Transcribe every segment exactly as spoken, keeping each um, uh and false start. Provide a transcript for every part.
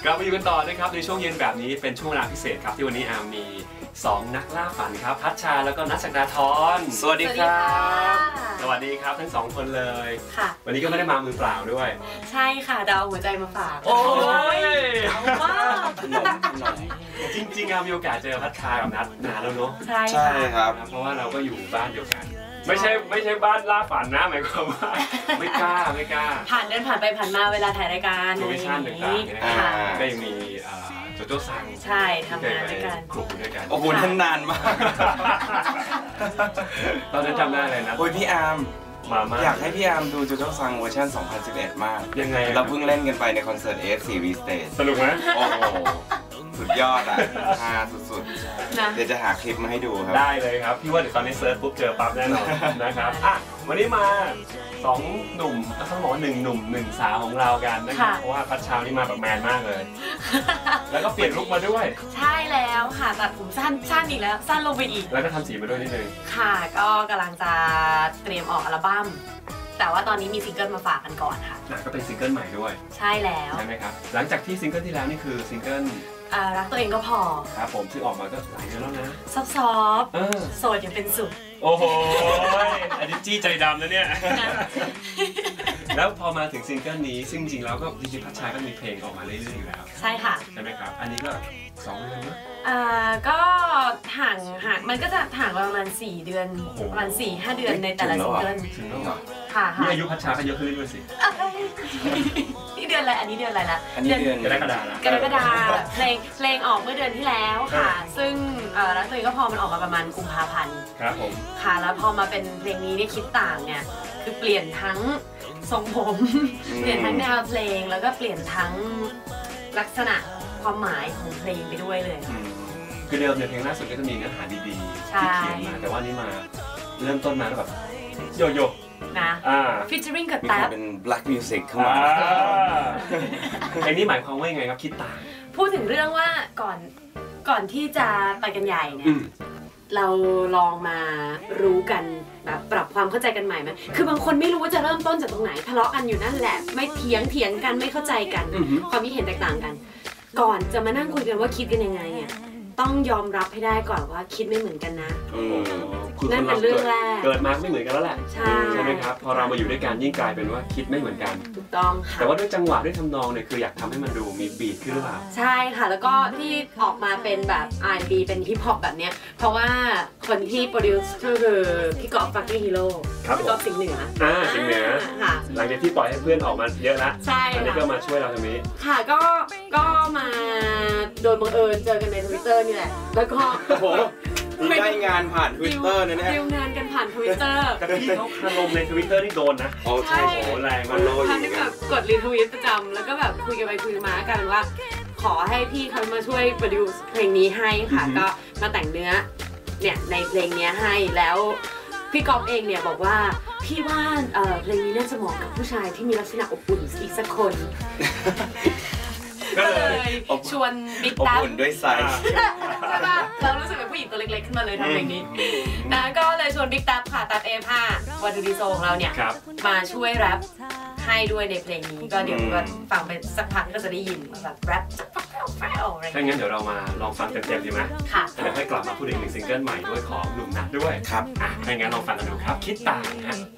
กลับมาอยู่กันต่อนะครับในช่วงเย็นแบบนี้เป็นช่วงเวลาพิเศษครับที่วันนี้อาร์มมีสองนักล่าฝันครับพัชชาแล้วก็นัทศักดาธรสวัสดีครับสวัสดีครับทั้งสองคนเลยค่ะวันนี้ก็ไม่ได้มามือเปล่าด้วยใช่ค่ะดาวหัวใจมาฝากโอ้ยเอาว่าจริงๆอาร์มมีโอกาสเจอพัชชากับนัทนานแล้วเนาะใช่ใช่ครับเพราะว่าเราก็อยู่บ้านเดียวกันไม่ใช่ไม่ใช่บ้านล่าฝันนะหมายความว่าไม่กล้าไม่กล้าผ่านเดินผ่านไปผ่านมาเวลาถ่ายรายการโปรโมชั่นต่างๆนะครับก็ยังมีโจโจ้ซังใช่ทำงานด้วยกันครูด้วยกันโอ้โหทั้งนานมากตอนนั้นจำได้เลยนะโอ้ยพี่อาร์มมามาอยากให้พี่อาร์มดูโจโจ้ซังเวอร์ชันสองพันสิบเอ็ดมากยังไงเราเพิ่งเล่นกันไปในคอนเสิร์ต เอ เอฟ ซี V-Stage สนุกไหมโอ้โหสุดยอดอ่ะฮาสุดๆเดี๋ยวจะหาคลิปมาให้ดูครับได้เลยครับพี่ว่าเดี๋ยวตอนนี้เซิร์ชปุ๊บเจอปั๊บแน่นอนนะครับอ่ะวันนี้มาสองหนุ่มต้องบอกว่าหนึ่งหนุ่มหนึ่งสาวของเรากันนะครับเพราะว่าพัชชานี่มาแบบแมนมากเลยแล้วก็เปลี่ยนลุคมาด้วยใช่แล้วค่ะตัดผมสั้นสั้นอีกแล้วสั้นลงไปอีกแล้วก็ทำสีมาด้วยนิดนึงค่ะก็กำลังจะเตรียมออกอัลบั้มแต่ว่าตอนนี้มีซิงเกิลมาฝากกันก่อนค่ะก็เป็นซิงเกิลใหม่ด้วยใช่แล้วใช่ไหมครับหลังจากที่ซิงเกิลที่แล้วนี่คือซิงเกิลรักตัวเองก็พอครับผมที่ออกมาก็หลายเดือนแล้วนะซอฟต์ๆโสดยังเป็นสุขโอ้โหอันนี้จี้ใจดำนะเนี่ยแล้วพอมาถึงซิงเกิลนี้ซึ่งจริงๆแล้วก็จริงๆพัชชาก็มีเพลงออกมาเรื่อยๆอยู่แล้วใช่ค่ะใช่ไหมครับอันนี้ก็สองเดือนนะอ่าก็ห่างห่างมันก็จะห่างประมาณสี่เดือนประมาณสี่ห้าเดือนในแต่ละซิงเกิลค่ะนี่อายุพัชชาก็เยอะขึ้นด้วยสินี่เดือนอะไรอันนี้เดือนอะไรละอันนี้เดือนกรกฎาคมกรกฎาคมเพลงเพลงออกเมื่อเดือนที่แล้วค่ะซึ่งรักตัวเองก็พอมันออกมาประมาณกุมภาพันธ์ครับผมค่ะแล้วพอมาเป็นเพลงนี้เนี่ยคิดต่างเนี่ยคือเปลี่ยนทั้งทรงผมเปลี่ยนทั้งแนวเพลงแล้วก็เปลี่ยนทั้งลักษณะความหมายของเพลงไปด้วยเลยคือเดิมเนี่ยเพลงล่าสุดก็จะมีเนื้อหาดีๆที่เขียนมาแต่ว่านี้มาเริ่มต้นมาแล้วแบบโยโย่นะฟีเจอริ่งกับแท็บเป็น black music เข้ามาเพลงนี้หมายความว่ายังไงครับคิดต่างพูดถึงเรื่องว่าก่อนก่อนที่จะไปกันใหญ่เนี่ยเราลองมารู้กันแบบปรับความเข้าใจกันใหม่ไหมคือบางคนไม่รู้ว่าจะเริ่มต้นจากตรงไหนทะเลาะกันอยู่นั่นแหละไม่เถียงเถียงกันไม่เข้าใจกันความคิดเห็นแตกต่างกันก่อนจะมานั่งคุยกันว่าคิดกันยังไงเนี่ยต้องยอมรับให้ได้ก่อนว่าคิดไม่เหมือนกันนะนั่นเป็นเรื่องแรกเกิดมาไม่เหมือนกันแล้วแหละใช่ใช่ไหมครับพอเรามาอยู่ด้วยกันยิ่งกลายเป็นว่าคิดไม่เหมือนกันถูกต้องค่ะแต่ว่าด้วยจังหวะด้วยทำนองเนี่ยคืออยากทำให้มันดูมีบีทขึ้นหรือเปล่าใช่ค่ะแล้วก็ที่ออกมาเป็นแบบ อาร์ แอนด์ บี เป็นฮิปฮอปแบบเนี้ยเพราะว่าคนที่โปรดิวซ์ก็คือพี่กอล์ฟฟักกิ้งฮีโร่พี่กอล์ฟสิงห์เหนืออ่าสิงห์เหนือค่ะหลังจากที่ปล่อยให้เพื่อนออกมาเยอะแล้วใช่อันนี้ก็มาช่วยเราตรงนี้ค่ะก็ก็มาโดยบังเอิญเจอกันใน ทวิตเตอร์ นี่แหละแล้วก็โอ้โหได้งานผ่าน ทวิตเตอร์ นะเนี่ยดีลงานกันผ่าน ทวิตเตอร์แต่พี่เขาคารมใน ทวิตเตอร์ นี่โดนนะโอ้ใช่โหแรงมันโลอยู่ท่านแบบกดรีทวีตประจำแล้วก็แบบคุยกันไปคุยมากันว่าขอให้พี่เขามาช่วยโปรดิวซ์เพลงนี้ให้ค่ะก็มาแต่งเนื้อเนี่ยในเพลงนี้ให้แล้วพี่ก๊อฟเองเนี่ยบอกว่าพี่ว่าเพลงนี้น่าจะเหมาะกับผู้ชายที่มีลักษณะอบอุ่นอีกสักคนก็เลยชวนบิ๊กตั๊บอบอุ่นด้วยไซส์ใช่ป่ะเรารู้สึกเป็นผู้หญิงตัวเล็กๆขึ้นมาเลยทำเพลงนี้นะก็เลยชวนบิ๊กตั๊บค่ะตั๊บเอฟห้าวันดูดีโซของเราเนี่ยมาช่วยแรปให้ด้วยในเพลงนี้ก็เดี๋ยวก็ฟังไปสักพักก็จะได้ยินแบบแรปแฟลอะไรถ้างั้นเดี๋ยวเรามาลองฟังเต็มๆดีไหมค่ะเดี๋ยวค่อยกลับมาพูดถึงหนึ่งซิงเกิลใหม่ด้วยของหนุ่มนัทด้วยครับอ่ะถ้างั้นลองฟังกันดูครับคิดต่างฮะ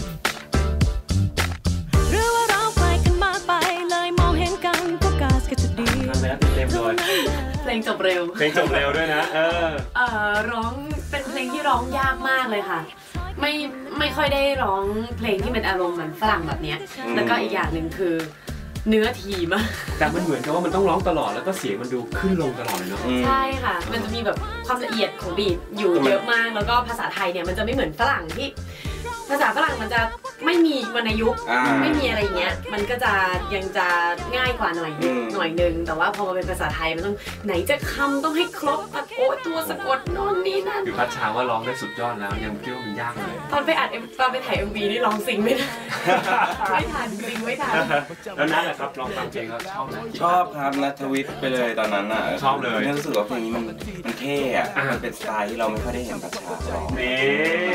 ทำไปแล้วเต็มๆเลยเพลงจบเร็วเพลงจบเร็วด้วยนะเออเออร้องเป็นเพลงที่ร้องยากมากเลยค่ะไม่ไม่ค่อยได้ร้องเพลงที่เป็นอารมณ์เหมือนฝรั่งแบบนี้แล้วก็อีกอย่างหนึ่งคือเนื้อทีมากแต่มันเหมือนกับว่ามันต้องร้องตลอดแล้วก็เสียงมันดูขึ้นลงตลอดเลยเนาะใช่ค่ะมันจะมีแบบความละเอียดของบีทอยู่เยอะมากแล้วก็ภาษาไทยเนี่ยมันจะไม่เหมือนฝรั่งที่ภาษาฝรั่งมันจะไม่มีวรรณยุกต์ไม่มีอะไรเงี้ยมันก็จะยังจะง่ายกว่าหน่อยหน่อยนึงแต่ว่าพอมาเป็นภาษาไทยมันต้องไหนจะคำต้องให้ครบโอ้ตัวสะกดโน่นนี่นั่นคือพัชชาว่าร้องได้สุดยอดแล้วยังคิดว่ามันยากเลยตอนไปอัดตอนไปถ่าย เอ็ม วี นี่ร้องซิงไม่ได้ไม่ทันซิงไม่ทันแล้วนั่นแหละครับลองฟังเพลงเขาชอบไหมชอบครับนัทวิทย์ไปเลยตอนนั้นอ่ะชอบเลยรู้สึกว่าเพลงนี้มันมันเท่อะมันเป็นสไตล์ที่เราไม่ค่อยได้เห็นพัชชาร้องนี่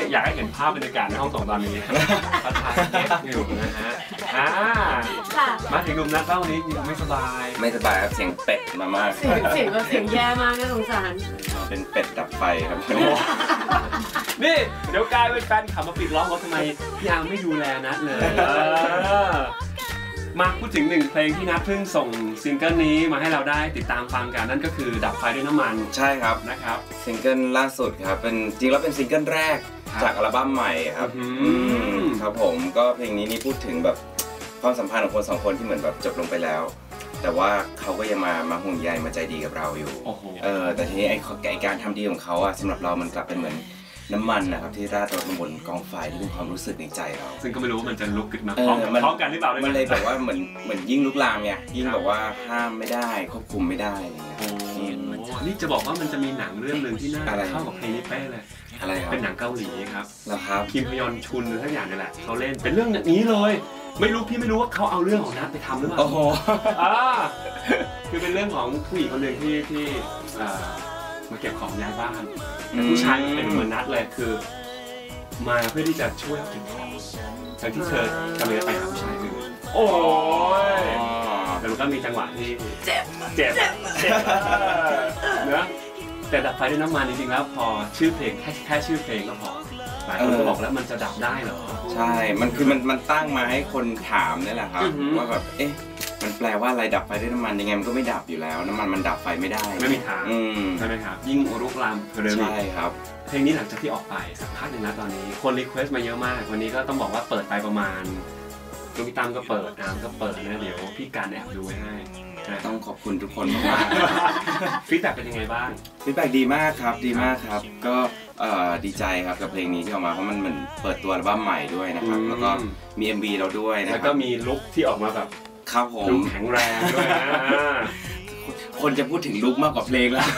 อยากให้เห็นภาพบรรยากาศในห้องส่งตอนนี้พัชชาเก็บอยู่นะฮะอ่าค่ะมาถึงหนุ่มนักเล่านี้ยังไม่สบายไม่สบายครับเสียงเป็ดมามากเสียงเสียงแบบเสียงแย่มากน่าสงสารเป็นเป็ดดับไฟครับนี่เดี๋ยวกลายเป็นแฟนขับมาปิดล้อมว่าทำไมพี่อาร์มไม่ดูแลนัทเลยมาพูดถึงหนึ่งเพลงที่นัทเพิ่งส่งซิงเกิลนี้มาให้เราได้ติดตามฟังกันนั่นก็คือดับไฟด้วยน้ำมันใช่ครับนะครับซิงเกิลล่าสุดครับเป็นจริงแล้วเป็นซิงเกิลแรกจากอัลบั้มใหม่ครับครับผมก็เพลงนี้นี่พูดถึงแบบความสัมพันธ์ของคนสองคนที่เหมือนแบบจบลงไปแล้วแต่ว่าเขาก็ยังมามาห่วงใยมาใจดีกับเราอยู่เออแต่ทีนี้ไอ้ไอ้การทำดีของเขาอะสำหรับเรามันกลับเป็นเหมือนน้ำมันนะครับที่ราดลงบนกองไฟที่เป็นความรู้สึกในใจเราซึ่งก็ไม่รู้ว่ามันจะลุกขึ้นมาพร้อมพร้อมกันหรือเปล่ามันเลยแบบว่าเหมือนเหมือนยิ่งลุกลามไงยิ่งแบบว่าห้ามไม่ได้ควบคุมไม่ได้อะไรเงี้ยนี่จะบอกว่ามันจะมีหนังเรื่องหนึ่งที่น่าเข้ากับเพลงนี้เป๊ะเลยอะไรครับเป็นหนังเกาหลีครับแล้วครับคิมฮยอนชุนหรือทั้งอย่างนี่แหละเขาเล่นเป็นเรื่องนี้เลยไม่รู้พี่ไม่รู้ว่าเขาเอาเรื่องของนัทไปทำหรือเปล่าโอ้โหอ่าคือเป็นเรื่องของผู้หญิงคนหนึ่งที่ที่มาเก็บของย้ายบ้านแต่ผู้ชายเป็นเหมือนนัทเลยคือมาเพื่อที่จะช่วยเก็บของทั้งที่เธอกำลังจะไปหาผู้ชายอื่นโอ้ยแต่มันก็มีจังหวะที่เจ็บเจ็บเจ็บเนอะแต่ดับไฟด้วยน้ำมันจริงๆแล้วพอชื่อเพลงแค่แค่ชื่อเพลงก็พอหลายคนก็บอกแล้วมันจะดับได้เหรอใช่มันคือมันมันตั้งมาให้คนถามนี่แหละครับว่าแบบเอ๊ะมันแปลว่าอะไรดับไฟด้วยน้ำมันยังไงมันก็ไม่ดับอยู่แล้วน้ำมันมันดับไฟไม่ได้ไม่มีทางใช่ไหมครับยิ่งรุกรามเร็วใช่ครับเพลงนี้หลังจากที่ออกไปสักพักหนึ่งนะตอนนี้คนรีเควสต์มาเยอะมากวันนี้ก็ต้องบอกว่าเปิดไปประมาณลูกพี่ตั้มก็เปิดน้ำก็เปิดนะเดี๋ยวพี่การแอบดูไว้ให้ต้องขอบคุณทุกคนมากฟีดแบ็กเป็นยังไงบ้างฟีดแบ็กดีมากครับดีมากครับก็ดีใจครับกับเพลงนี้ที่ออกมาเพราะมันเหมือนเปิดตัวอัลบั้มใหม่ด้วยนะครับแล้วก็มี เอ็ม วี เราด้วยนะครับแล้วก็มีลุคที่ออกมาแบบครับผมลุคแข็งแรงด้วยนะคนจะพูดถึงลุคมากกว่าเพลงแล้ว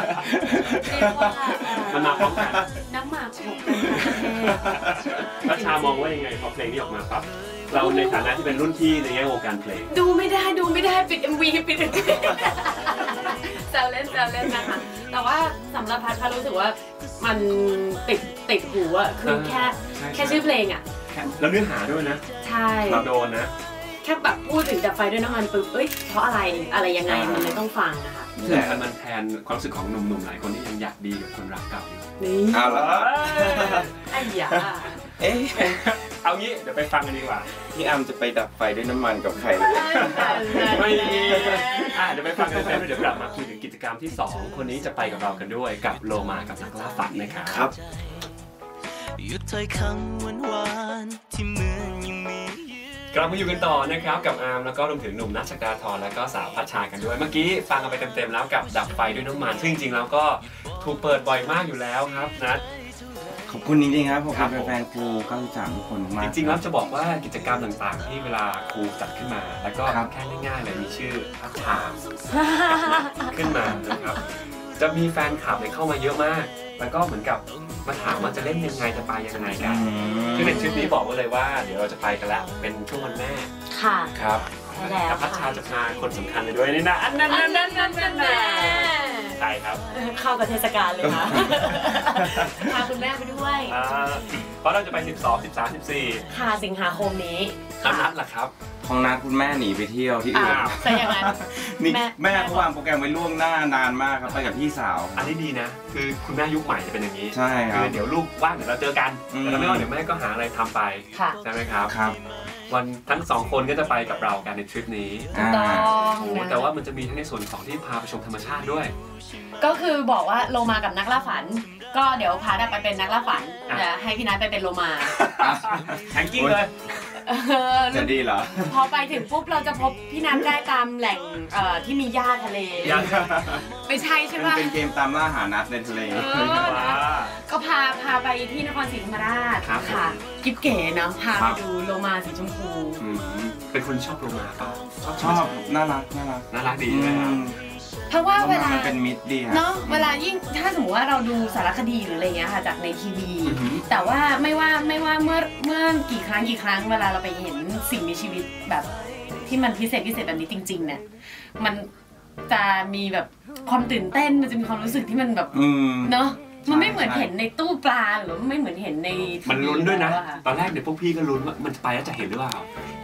มันมาพร้อมกันน้ำหมากหกพระชามองว่ายังไงพอเพลงนี้ออกมาปั๊บเราในฐานะที่เป็นรุ่นพี่ในแง่วงการเพลงดูไม่ได้ดูไม่ได้ปิด เอ็ม วี ปิดแซวเล่นแซวเล่นนะคะแต่ว่าสำหรับพัดพัดรู้สึกว่ามันติดติดหูอะคือแค่แค่ชื่อเพลงอะแล้วเนื้อหาด้วยนะใช่เราโดนนะแค่แบบพูดถึงดับไฟด้วยน้ำมันปุ๊บเอ้ยเพราะอะไรอะไรยังไงมันเลยต้องฟังนะคะแต่มันแทนความรู้สึกของหนุ่มๆหลายคนที่ยังอยากดีกับคนรักเก่าอยู่นี่เอาละไอ้ยาเอ๊ะเอางี้เดี๋ยวไปฟังกันดีกว่าพี่อัมจะไปดับไฟด้วยน้ำมันกับใครไม่อ่ะเดี๋ยวไปฟังกันแล้วเดี๋ยวกลับมาคุยถึงกิจกรรมที่สองคนนี้จะไปกับเรากันด้วยกับโลมากับนักล่าฝันนะครับครับหยุดถ้อยคำหวานๆที่เหมือนยังมีกลับมาอยู่กันต่อนะครับกับอาร์มแล้วก็รวมถึงหนุ่มนัท ศักดาธรแล้วก็สาวพัชชากันด้วยเมื่อกี้ฟังกันไปเต็มๆแล้วกับดับไฟด้วยน้ำมันซึ่งจริงๆแล้วก็ถูกเปิดบ่อยมากอยู่แล้วครับนัทขอบคุณจริงๆครับผมเป็นแฟนครูเก้าสิบสามทุกคนมากจริงๆแล้วจะบอกว่ากิจกรรมต่างๆที่เวลาครูจัดขึ้นมาแล้วก็แค่ง่ายๆเลยมีชื่อพัชชาขึ้นมานะครับจะมีแฟนคลับเข้ามาเยอะมากแล้วก็เหมือนกับมาถามว่าจะเล่นยังไงจะไปยังไงกันคือในทริปนี้บอกไว้เลยว่าเดี๋ยวเราจะไปกันแล้วเป็นช่วงวันแม่ค่ะครับแล้วพัชชาจะพาคนสำคัญเลยด้วยนี่นะอันนั้นนั่นนั่นนั่นนั่นใช่ครับเข้ากับเทศกาลเลยค่ะพาคุณแม่ไปด้วยเพราะเราจะไปสิบสอง สิบสาม สิบสี่ค่ะสิงหาคมนี้ของนัดล่ะครับของนัดคุณแม่หนีไปเที่ยวที่อื่นใช่ยังไงนี่แม่เขาวางโปรแกรมไว้ล่วงหน้านานมากครับไปกับพี่สาวอันนี้ดีนะคือคุณแม่ยุคใหม่จะเป็นอย่างนี้ใช่ครับคือเดี๋ยวลูกว่างเดี๋ยวเราเจอกันแต่ไม่ว่างเดี๋ยวแม่ก็หาอะไรทำไปใช่ไหมครับครับวันทั้งสองคนก็จะไปกับเรากันในทริปนี้ถูกต้องแต่ว่ามันจะมีทั้งในส่วนของที่พาไปชมธรรมชาติด้วยก็คือบอกว่าโลมากับนักล่าฝันก็เดี๋ยวพาได้ไปเป็นนักล่าฝันเดี๋ยวให้พี่นัทไปเป็นโลมาแข่งกิ้งเลยจะดีเหรอพอไปถึงปุ๊บเราจะพบพี่นัทได้ตามแหล่งที่มีหญ้าทะเลไม่ใช่ใช่ไหมเป็นเกมตามล่าหานัทในทะเลก็พาพาไปที่นครศรีธรรมราชค่ะกิ๊บเก๋เนาะพาไปดูโลมาสีชมพูเป็นคนชอบโลมาป่ะชอบน่ารักน่ารักน่ารักดีนะครับเพราะว่าเวลาเป็นมิตรดีเนาะเวลายิ่งถ้าสมมติว่าเราดูสารคดีหรืออะไรเงี้ยค่ะจากในทีวีแต่ว่าไม่ว่าไม่ว่าเมื่อเมื่อกี่ครั้งกี่ครั้งเวลาเราไปเห็นสิ่งมีชีวิตแบบที่มันพิเศษพิเศษแบบนี้จริงๆเนี่ยมันจะมีแบบความตื่นเต้นมันจะมีความรู้สึกที่มันแบบเนาะมันไม่เหมือนเห็นในตู้ปลาหรือไม่เหมือนเห็นในมันลุ้นด้วยนะตอนแรกเดี๋ยวพวกพี่ก็ลุ้นว่ามันไปแล้วจะเห็นหรือเปล่า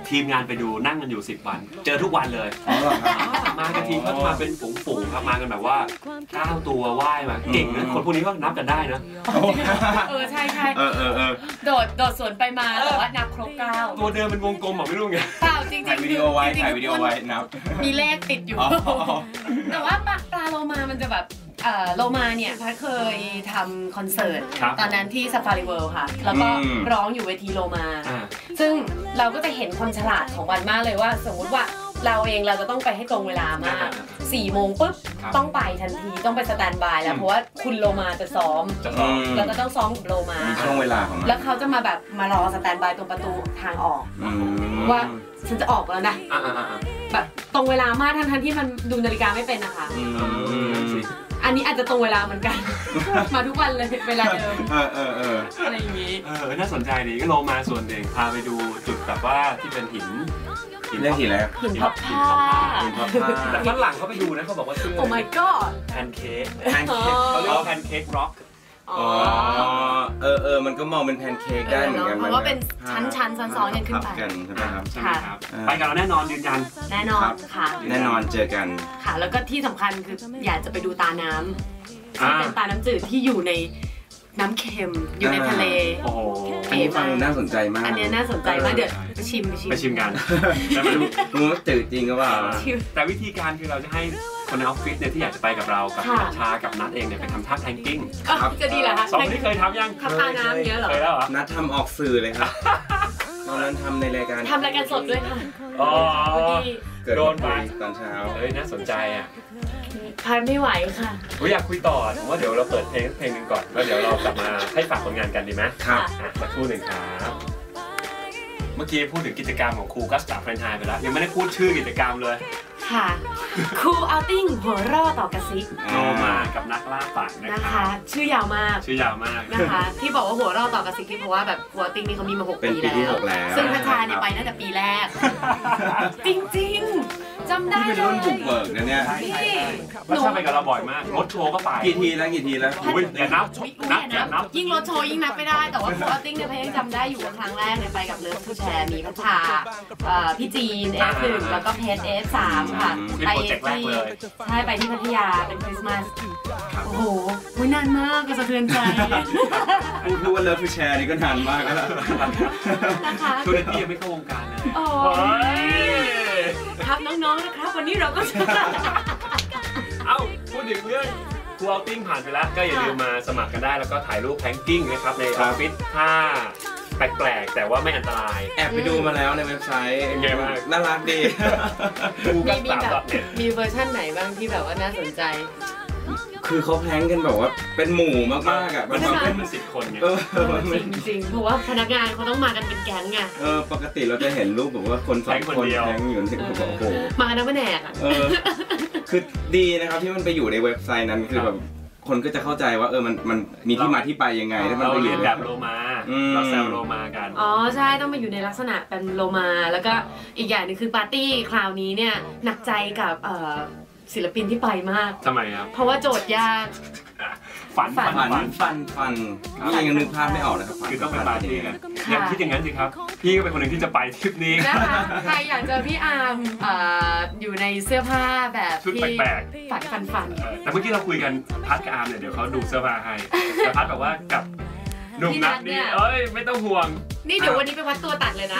ทีมงานไปดูนั่งกันอยู่สิบวันเจอทุกวันเลยมากันทีก็มาเป็นฝูงๆครับมากันแบบว่าเก้าตัวว่ายมาเก่งนะคนพวกนี้ก็นับกันได้นะเออใช่ใช่เออเออเออโดดโดดสวนไปมาแต่ว่านับครบเก้าตัวเดิมเป็นวงกลมหรอไม่รู้ไงเปล่าจริงๆถ่ายวิดีโอไว้ถ่ายวิดีโอไว้นับมีเลขติดอยู่แต่ว่าปลาโลมามันจะแบบโลมาเนี่ยพัดเคยทำคอนเสิร์ตตอนนั้นที่ซาฟารีเวิลด์ค่ะแล้วก็ร้องอยู่เวทีโลมาซึ่งเราก็จะเห็นความฉลาดของวันมากเลยว่าสมมติว่าเราเองเราจะต้องไปให้ตรงเวลามากสี่โมงปุ๊บต้องไปทันทีต้องไปสแตนบายแล้วเพราะว่าคุณโลมาจะซ้อมแล้วก็ต้องซ้อมกับโลมาช่วงเวลาของมันแล้วเขาจะมาแบบมารอสแตนบายตรงประตูทางออกว่าฉันจะออกแล้วนะแบบตรงเวลามากทั้งที่มันดูนาฬิกาไม่เป็นนะคะอันนี้อาจจะตรงเวลาเหมือนกันมาทุกวันเลยเวลาเดิมเออเออเอออะไรอย่างนี้เออน่าสนใจดีก็โลมาส่วนหนึ่งพาไปดูจุดแบบว่าที่เป็นหินหินเรียกหินอะไรหินพับผ้าหินพับผ้าแต่ฝรั่งเขาไปดูนะเขาบอกว่าชื่อ Oh my god แพนเค้กแพนเค้กเขาเรียกว่าแพนเค้กร็อกอ๋อเออเออมันก็มองเป็นแพนเค้กได้เหมือนกันเพราะว่าเป็นชั้นชั้นซ้อนๆกันขึ้นไปกันใช่ไหมครับใช่ครับไปกันเราแน่นอนยืนยันแน่นอนค่ะแน่นอนเจอกันค่ะแล้วก็ที่สำคัญคืออยากจะไปดูตาน้ำที่เป็นตาน้ำจืดที่อยู่ในน้ำเค็มอยู่ในทะเลโอ้โหอันนี้ฟังน่าสนใจมากอันนี้น่าสนใจมากเดี๋ยวไปชิมไปชิมไปชิมกันแต่ไม่รู้รู้ว่าจืดจริงก็ว่าแต่วิธีการคือเราจะให้คนในออฟฟิศเนี่ยที่อยากจะไปกับเรากับชากับนัทเองเนี่ยไปทำท่าแทงกิ้งจะดีเหรอคะสองที่เคยทำยังทำตาน้ำเยอะเหรอเคยแล้วเหรอนัททำออกสื่อเลยครับตอนนั้นทำในรายการทำรายการสดด้วยค่ะอ๋อเกิดโดนไปตอนเช้าเฮ้ยน่าสนใจอ่ะพันไม่ไหวค่ะผมอยากคุยต่อผมว่าเดี๋ยวเราเปิดเพลงเพลงหนึ่งก่อนแล้วเดี๋ยวเรากลับมาให้ฝากผลงานกันดีไหมครับสักครู่หนึ่งครับเมื่อกี้พูดถึงกิจกรรมของครูกัสตาเฟรนไฮไปแล้วยังไม่ได้พูดชื่อกิจกรรมเลยค่ะครูเอาติ้งหัวร่อต่อกระซิบโลมากับนักล่าฝันนะคะชื่อยาวมากชื่อยาวมากนะคะที่บอกว่าหัวร่อต่อกระซิบเพราะว่าแบบครูเอาติ้งนี่เขามีมาหกปีแล้วซึ่งพัชชาเนี่ยไปตั้งแต่ปีแรกจริงๆจำได้เลยเป็นรุ่นบุกเบิกนะเนี่ยพัชชาไปกับเราบ่อยมากรถโชว์ก็ไปกี่ทีแล้วกี่ทีแล้วอย่านับนับอย่านับยิ่งรถโชว์ยิ่งนับไม่ได้แต่ว่าครูเอาติ้งเนี่ยพยังจำได้อยู่ครั้งแรกเนี่ยไปกับเลิฟทูแชร์มีพัชชาพี่จีนเอฟหนึ่งแล้วก็เพชรเอฟสามค่ะไปที่ใช่ไปที่พัทยาเป็นคริสต์มาสโอ้โหนานมากก็สะเทือนใจพูดว่าเลิฟทูแชร์นี่ก็นานมากแล้วนะคะตัวเล็กยังไม่เข้าวงการเลยโอ้ยครับน้องๆนะครับวันนี้เราก็เอ้าพูดถึงเรื่องครูเอาติ้งผ่านไปแล้วก็อย่าลืมมาสมัครกันได้แล้วก็ถ่ายรูปแพงกิ้งนะครับในออฟฟิศถ้าแปลกๆแต่ว่าไม่อันตรายแอบไปดูมาแล้วในเว็บไซต์ยังไงบ้างน่ารักดีดูกันสามดอทเน็ตมีเวอร์ชั่นไหนบ้างที่แบบว่าน่าสนใจคือเขาแพงกันแบบว่าเป็นหมู่มากๆอ่ะมันมาเป็นสิบคนไงจริงๆเพราะว่าพนักงานเขาต้องมากันเป็นแก๊งไงเออปกติเราจะเห็นรูปแบบว่าคนสองคนแพงอยู่ที่โอ้โหมากันทั้งแผนกอ่ะคือดีนะครับที่มันไปอยู่ในเว็บไซต์นั้นคือแบบคนก็จะเข้าใจว่าเออมันมันมีที่มาที่ไปยังไงแล้วมันไปเรียนแบบโลมาเราแซวโลมากันอ๋อใช่ต้องมาอยู่ในลักษณะเป็นโลมาแล้วก็อีกอย่างนึงคือปาร์ตี้คราวนี้เนี่ยหนักใจกับศิลปินที่ไปมากทำไมครับเพราะว่าโจทย์ยากฝันฝันฝันฝันฝันนี่ยังนึกภาพไม่ออกนะครับคือต้องไปปาร์ตี้กันอย่างคิดอย่างนั้นสิครับพี่ก็เป็นคนหนึ่งที่จะไปทริปนี้นะคะใครอยากเจอพี่อาร์มอยู่ในเสื้อผ้าแบบชุดแปลกๆฝันฝันฝันแต่เมื่อกี้เราคุยกันพัดกับอาร์มเนี่ยเดี๋ยวเขาดูเสื้อผ้าให้แต่พัดแบบว่ากับหนุ่มนัทนี่เอ้ยไม่ต้องห่วงนี่เดี๋ยววันนี้ไปวัดตัวตัดเลยนะ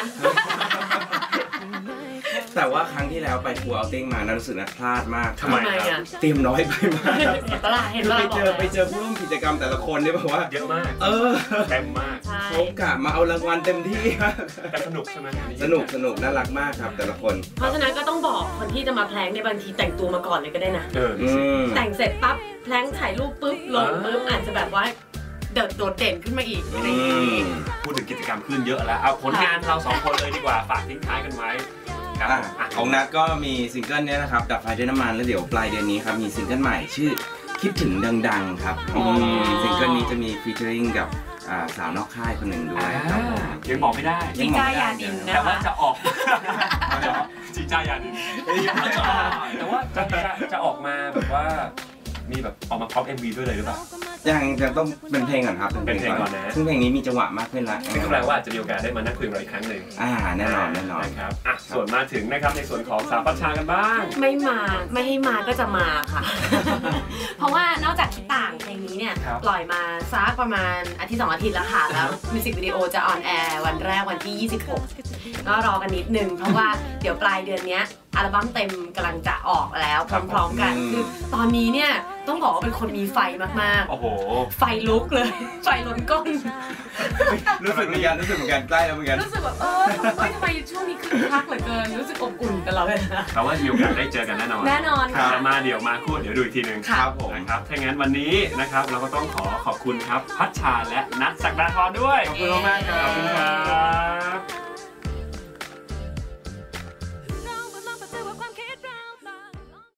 แต่ว่าครั้งที่แล้วไปทัวร์เอาติ้งมานั้นรู้สึกนะพลาดมากทำไมอ่ะเตรียมน้อยไปมากเห็นปะล่ะเห็นปะล่ะไปเจอไปเจอผู้ร่วมกิจกรรมแต่ละคนเนี่ยบอกว่าเยอะมากเออเต็มมากเขากะมาเอารางวัลเต็มที่แต่สนุกใช่ไหมสนุกสนุกน่ารักมากครับแต่ละคนเพราะฉะนั้นก็ต้องบอกคนที่จะมาแพลงในบางทีแต่งตัวมาก่อนเลยก็ได้นะแต่งเสร็จปั๊บแพลงถ่ายรูปปุ๊บลงปุ๊บอาจจะแบบว่าเดิดโดดเด่นขึ้นมาอีกอะไรอย่างนี้พูดถึงกิจกรรมขึ้นเยอะแล้วเอาผลงานเราสองคนเลยดีกว่าฝากทิ้งท้ายกันไว้ของนัทก็มีซิงเกิลนี้นะครับดับไฟด้วยน้ำมันแล้วเดี๋ยวปลายเดือนนี้ครับมีซิงเกิลใหม่ชื่อคิดถึงดังๆครับซิงเกิลนี้จะมีฟีเจอริ่งกับสาวนอกค่ายคนหนึ่งด้วยยังบอกไม่ได้จีจ้ายาดินนะแต่ว่าจะออกจีจ้ายาดินแต่ว่าจะจะออกมาแบบว่ามีแบบออกมาพร้อม เอ็ม วี ด้วยเลยหรือเปล่ายังยังต้องเป็นเพลงก่อนครับเป็นเพลงก่อนนะซึ่งเพลงนี้มีจังหวะมากขึ้นละซึ่งก็แปลว่าจะมีโอกาสได้มานั่งคุยกันอีกครั้งหนึ่งอ่าแน่นอนแน่นอนนะครับอ่ะส่วนมาถึงนะครับในส่วนของสาวพัชชากันบ้างไม่มาไม่ให้มาก็จะมาค่ะ เพราะว่านอกจากคิดต่างเพลงนี้เนี่ยปล่อยมาซักประมาณอาทิตย์สองอาทิตย์แล้วค่ะแล้วมิวสิกวิดีโอจะออนแอร์วันแรกวันที่ยี่สิบหกก็รอกันนิดนึงเพราะว่าเดี๋ยวปลายเดือนนี้อัลบั้มเต็มกำลังจะออกแล้วพร้อมๆกันคือตอนนี้เนี่ยต้องบอกว่าเป็นคนมีไฟมากๆโอ้โหไฟลุกเลยไฟล้นก้นรู้สึกเหมือนกันรู้สึกเหมือนกันใกล้แล้วเหมือนกันรู้สึกแบบเออทำไมช่วงนี้คึกคักเหลือเกินรู้สึกอบอุ่นตลอดเลยนะแต่ว่ามีโอกาสได้เจอกันแน่นอนแน่นอนค่ะมาเดี๋ยวมาคู่เดี๋ยวดูอีกทีนึงครับผมนะครับถ้างั้นวันนี้นะครับเราก็ต้องขอขอบคุณครับพัชชาและนัทศักดาธรด้วยขอบคุณมากครับขอบคุณครับ